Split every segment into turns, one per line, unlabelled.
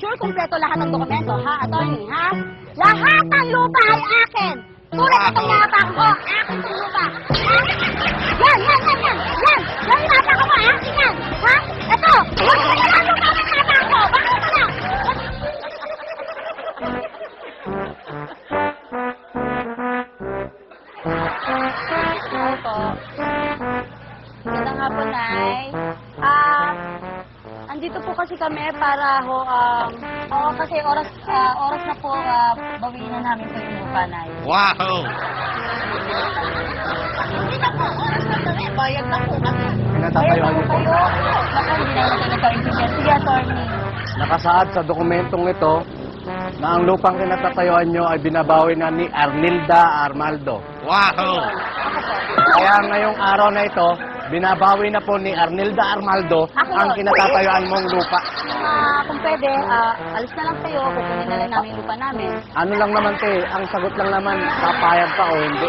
sure kumpleto lahat ng dokumento, ha, attorney, ha? Lahat ng lupa ay akin! Tulad ng pangyayapak ko, akin itong lupa! Ha? Yan! Yan yung inatak ko, akin yan! Ha? Ito! Huwag mo na lang lupa ng inatak ko! Bakit mo lang? Magandang hapon, Nay. Andito po kasi kami para kasi oras na po, bawiin na namin po yung lupa, Nay.
Wow!
Hindi na po, oras na kami. Bayad na po kami.
Pinatatayuan niyo po.
Naku, hindi na natin nagkaintindihan. Sige, attorney.
Nakasaad sa dokumentong ito na ang lupang kinatatayuan nyo ay binabawi na ni Arnilda Armaldo.
Wow!
Kaya ngayong araw na ito, binabawi na po ni Arnilda Armaldo ang kinatatayuan mong lupa.
Kung pwede, alis na lang kayo, kukunin na lang namin yung lupa namin.
Ano lang naman te, ang sagot lang naman, papayag ka o hindi.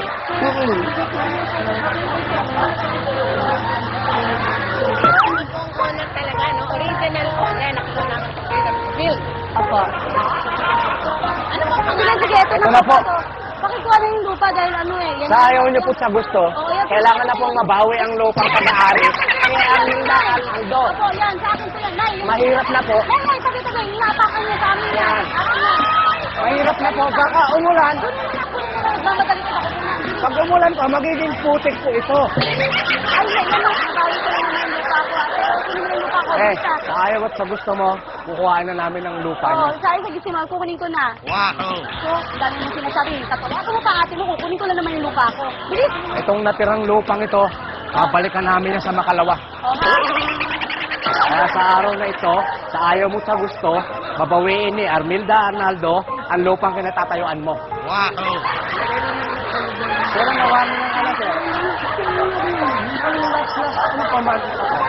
Owner talaga, no? Original owner. Nakuha namin sa bill.
Apo.
Ano ba
Sige, ito
na po.
Pakikuha na yung lupa dahil yan.
Sa ayaw niyo po sa gusto, kailangan na pong mabawi ang lupang pag-aari ni Arnilda Armaldo.
Opo, yan, sa akin po yan. Nay,
Mahirap na po.
Nay, sabi, hinapakan niyo sa amin yan. Akin yan.
Mahirap na po, baka umulan.
Nagmamadali ko ako na.
Pag umulan pa, magiging putik po ito.
Ay, yan lang. Nabawi ko lang naman yung lupa ko. Kunin mo yung lupa ko.
Sa ayaw at sa gusto mo, kukuhaan na namin ang lupa niyo.
Oo, sa akin, sa gisimal, kukunin ko na.
Wow!
So, dami mo sinasabi. Katulad mo pa ate mo, kukunin ko lang naman yung lupa ko. Bilis!
Itong natirang lupang ito, babalikan namin na sa Makalawa.
O, ha?
Kaya sa araw na ito, sa ayaw mo sa gusto, babawiin ni Arnilda Arnaldo ang lupang kinatatayuan mo.
Wow!
Pero nawa mo ng alas eh. Ano pa man?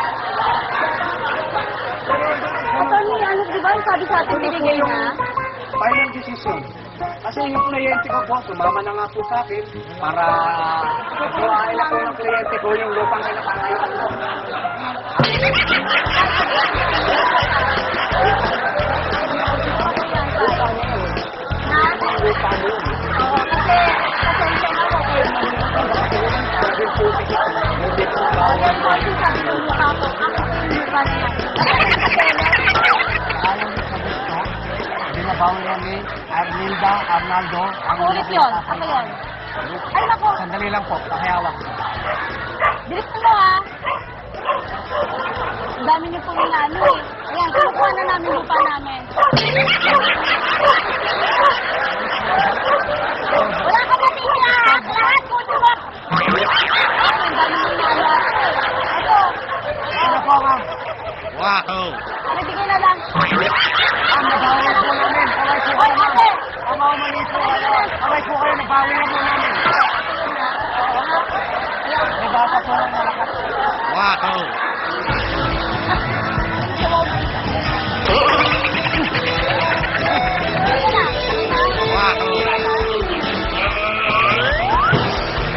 Attorney, ano, di ba? Sabi sa atin, binigay na.
Final decision. Kasi yung kliyente ko po, sumama na nga po sa akin para kuhain na po ng kliyente ko yung lupang kinatatayuan mo.
Oo, kasi, pasensya na ako. Yan po, sabi ng mukha ko. Ako po yung mukha na yan.
Ayaw mo sa gusto, binabawi yan ni Arnilda Arnaldo.
Ako ulit yun. Ako yun. Ay, nako.
Sandali lang po, pakihawak.
Bilis mo, ha? Ang dami niyo po yung ano, eh. Ayan, kinukuha na namin lupa namin. Wala ka na tira! Lahat po, diba? Ang dami niyo yung ano, ito.
Ano po, ma'am?
Wow!
Nabigay na lang.
Ang nabawi na po namin. Kaway po kayo, ma'am. Ang mga mali po. Kaway po kayo, nabawi na po namin. May bata po ng malakas.
Wow!